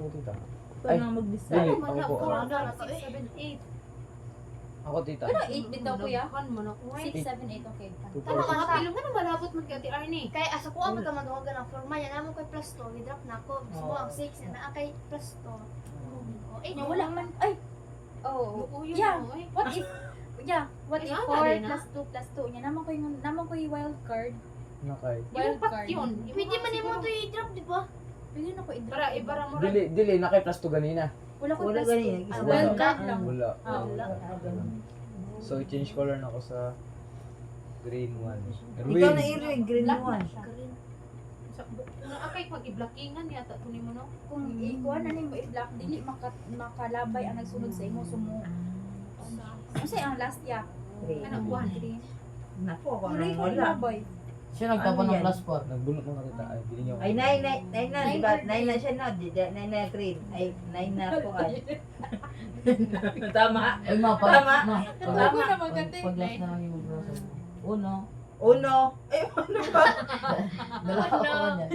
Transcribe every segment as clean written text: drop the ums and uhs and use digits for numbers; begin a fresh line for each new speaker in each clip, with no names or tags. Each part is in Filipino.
po, tita.
Ikaw na mag-decide.
Dili,
Wala
ako po.
ko.
ah.
6, 7, 8.
Ako, tita.
Ano, 8 bitaw kuya?
Kan mo na ko.
6, 7, 8, okay.
Two,
Tama
four,
ka
six.
na pilong nga malabot man kay Ate Arnie.
Kaya asa ko ang magkamadungan ng forma yan. Naman ko'y plus 2. Hidrop na ako. Gusto mo ang 6. Na kay plus 2. O, 8.
No, wala man, ay! Oh,
Lukuyo
yeah.
mo eh.
What if, what
Eh,
if
ano
4
rin, ah?
plus 2 plus 2 niya? Naman ko yung wild card.
Nakay.
Yung pat yun.
Pwede man mo ito i-drop, di ba?
Pwede na ko i-drop.
Para ibara mo
Dili, nakay plus 2 ganina.
Wala ko
Wala
plus 2.
ganyan.
Ah,
Isa
wild
lang.
card lang.
Wala.
Ah, wala.
So, i-change color na ako sa green 1.
Ikaw na i-ring, green
Black
one.
na siya.
Akay pag i-blockingan yata kunin mo no.
Kung ikuha na nimo i-block, dili makalabay ang nagsunod sa imo sumo. Kasi ang last ya.
Ano kuan?
Naku, ako
Wala
nang
ko
wala.
labay.
Siya nagtapon
Ano
ng
yan?
plus 4.
Nagbunot ng kita. Ay, bili niyo ako.
Ay, nine na, di ba? Nine na siya, no? Nine na green. Ay, nine na ako ay. Tama.
Ay, ma,
Tama.
Ako na maganda
Pag last na lang yung mag-browser. Uno.
Uno. Ay, ano ba?
Dala ako niyan.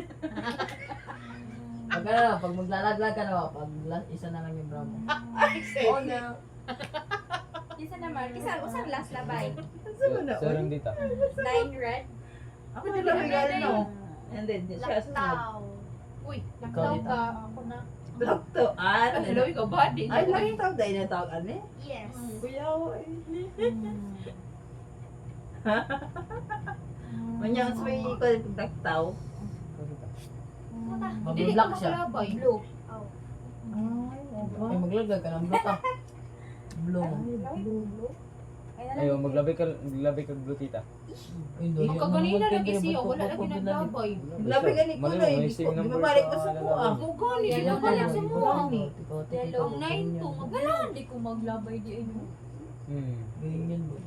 Pag ano, pag maglalaglag ka na, pag last, isa na lang yung brown mo.
Uno.
Isa naman, usang last labay.
Saan na?
Sir, yung dita.
9 red.
Ako na lang regalo, no? And then, siya sunod.
Laktaw.
Uy,
Nagtaw ka, ako na.
Block to. Ah,
hello ikaw ba din?
ay, lagi tawag dahil na tawag, ano eh?
Yes.
Kuya, ay. Manyang sa may ko pagdaktaw.
Mag-block siya.
Blue.
Ay, maglaglag ka ng blue ka. Blue.
Blue.
Ayaw, maglabay ka blue, tita.
Magkaganina lagi siya, wala lagi naglabay.
Labi gani ko na, hindi ko, di mabalik ko sa kuha.
Mugani,
Yellow
yellow na lang sa mo.
Yellow.
Ang 9 to,
Wala, hindi ko maglabay di ano.
Ganyan ba?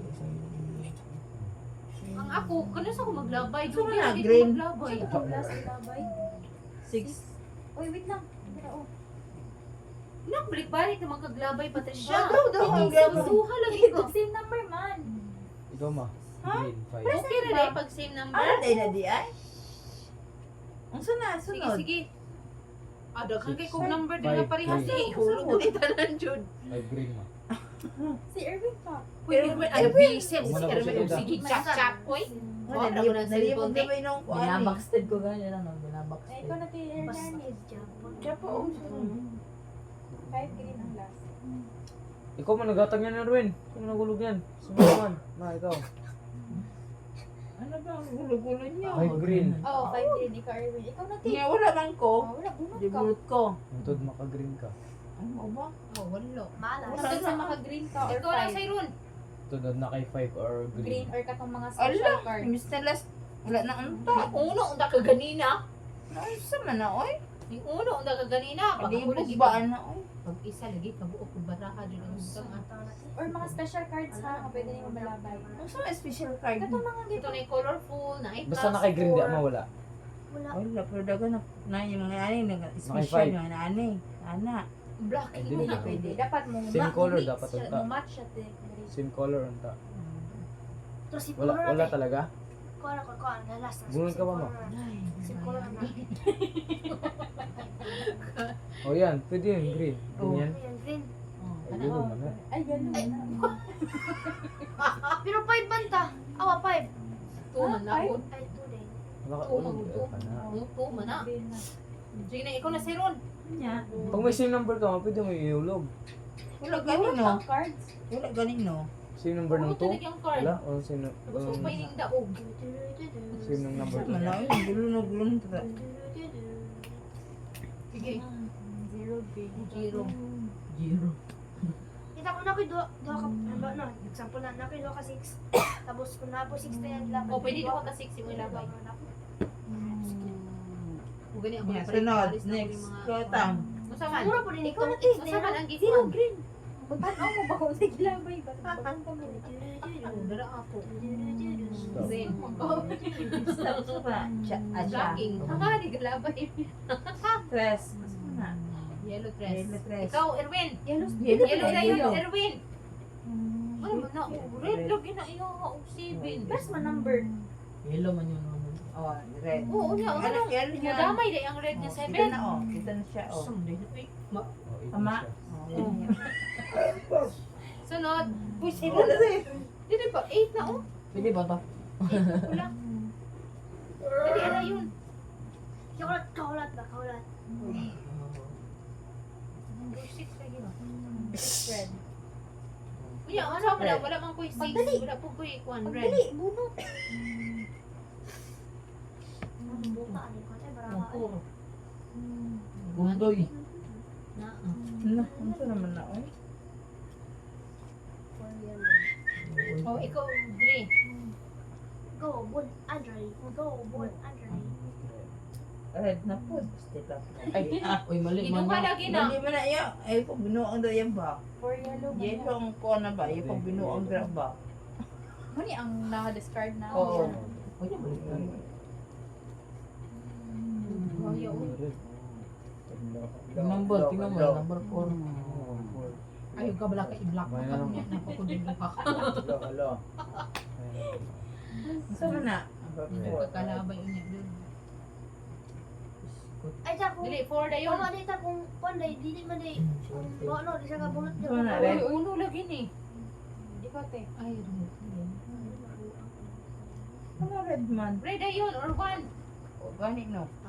Ang ako, kanas ako maglabay.
Gusto mo
Dugi
na,
lagi
green?
ko maglabay.
Ito ko last labay.
6.
Uy, wait lang. Oh.
Nagbalik-balik naman kaglabay pa tayo siya.
Daw, ang gabo.
Suha lagi ko.
Same number man.
Ikaw, ma. Green 5.
Okay na rin pag same number.
Ano dahil na di ay? Ang sunod,
Sige,
sunod.
sige. Daghan kay
Six,
kong number din
five,
na parehas
three.
eh. Hulog ko kita lang, Jud.
5 green, ma.
Si Erwin pa.
Pwede mo ay bicep.
Wala
Sige,
ko siya
naman
dito.
sige, chat-chat. Uy.
Oh, nalibog na ba yung kuha ni?
Binabacksted ko ganyan ano,
Ay,
binabacksted.
ikaw na kay Hernanes.
Siya pa, oh.
5 green ang last.
Ikaw mo, nagatang yan, Erwin. Ikaw mo nagulog yan. Sumaman. Ma, ikaw.
Ano ba ang gulo-gulo niya?
5 green.
Oh, 5 green. Ikaw, Erwin. Ikaw na kay.
Nga, wala man ko.
Wala, bunot
Di
ka.
bulot ko.
Untod, maka-green ka.
Ano ba?
Oh, wala.
Malas.
Hanggang sa maka-green ka or
Ikaw lang
5.
sa Ron.
Tunod na kay 5 or
Green
green.
or katong mga special
Ala,
card.
imbis na last. Wala na unta.
Yung uno, unda ka ganina.
Ay, sa man na, oy.
Yung uno, unda ka ganina. Pag
Hindi
ako lagi
bugbaan na, oy.
Pag isa lagi, kabuok ko baraha din ang usang
Or mga special cards ha, nga pwede niyo malabay.
Ang sa may special card.
Katong mga
Ito na yung colorful, na ay
Basta naka green, di mawala.
Wala.
Wala, pero daga na yung mga ani, special
five.
mga ani. Ana.
black.
Ay,
Hindi
Hindi.
pwede. Dapat mo
Same color dapat
siya,
unta.
mo match siya te.
Same color unta.
Terus si
Wala, wala talaga.
Kuha na ko, kuha na last.
Bunod ka ba, ma?
Si color na.
O yan, pwede yun, green.
Oh.
Ganyan.
Ayan, green.
Ay, yun man.
Ay, ganun na.
Pero 5 banta. Awa, 5.
Tuman na ako.
Ay, 2 din.
Wala ka,
Oo,
ulo.
oo.
ka na.
Tuman na.
Green na.
Sige na, ikaw na si Ron.
Nya.
Pag may same number ka, pwede mo iulog.
Wala
Bunot
ganino.
ang cards.
Wala ganino.
Same number ng
Ano
2?
talaga yung card?
Wala? O same
Tapos kung may yung daog.
same ng number
Sa man na,
2?
oy. Gulo na gulo na tata.
Sige.
Zero green.
Zero.
Zero.
Kita ko na ko duha ka, ano, no, example na, na ko duha ka 6. Tapos kung na po 6 na yan,
O, pwede doon ka 6 yung ilabay. O, gani ako.
Nya, sunod. Next. Kotang.
Masaman.
Siguro po din
Ikaw
ikaw
na
na
tis.
Masaman ang
Zero
gitman.
green. Magtanaw mo ba kung sige labay ba? Bagong kami.
Dara ako.
Stop.
Zen.
Stop sa ba? Siya.
Blocking. Hanga, di galabay.
Tres. Mas mo na.
Yellow dress.
Yellow dress.
Ikaw, Erwin.
Yellow.
Yellow na yun,
Yellow.
Erwin. Ay, man na. Red, lagi na iyo. 7.
Press mo number.
Yellow man yun.
Oh, red.
Oo, niya.
Ano yan?
Madamay day ang red niya
Kita
7.
na oh. Kita na siya oh.
Sunday. Uy,
Oh, ito
Tama.
siya.
Oh, yan yan.
Sunod.
Uy, sino na rin?
Dili ba? 8 na oh.
Pwede ba to?
8 wala. Dili ano yun.
Kaulat ba? Kaulat.
Number 6 lagi ba?
Red.
Unya, ano mo na? Wala mang ko'y 6. Wala po ko'y kwan red.
Pagdali, bunot.
Buka ano ko. Ay, baraka.
Ang puro.
Gundoy.
Na.
Ano? Ano to naman na oh?
Oh, ikaw, Dre.
Go, Bun, Andre. Go, Bun, Andre.
Red na po. Step up.
Ay, uy, mali man
Ginuha
na.
lagi na.
Hindi mo na yan. Ay, pag binuang daw yan ba?
For yellow.
Yellow ang ko na ba? Yung pag binuang grab ba?
Muni ang naka-discard na.
Oo.
Uy, mali man.
Oh, yaw.
Number, tingnan mo, number 4.
Ayaw ka bala ka i-block mo ka niya. Napakudin ka.
Hello.
Saan na?
Hindi ka kalabay yun niya.
Ay, ta kung...
Dili, 4 na yun.
Kung dito kung panday, dili man day. Kung ano, di siya kabunot niya.
Ito na,
Uy,
red.
uno lagi ni.
Ikaw, te.
Ay,
Ano red man?
red na yun or 1.
O, gani no?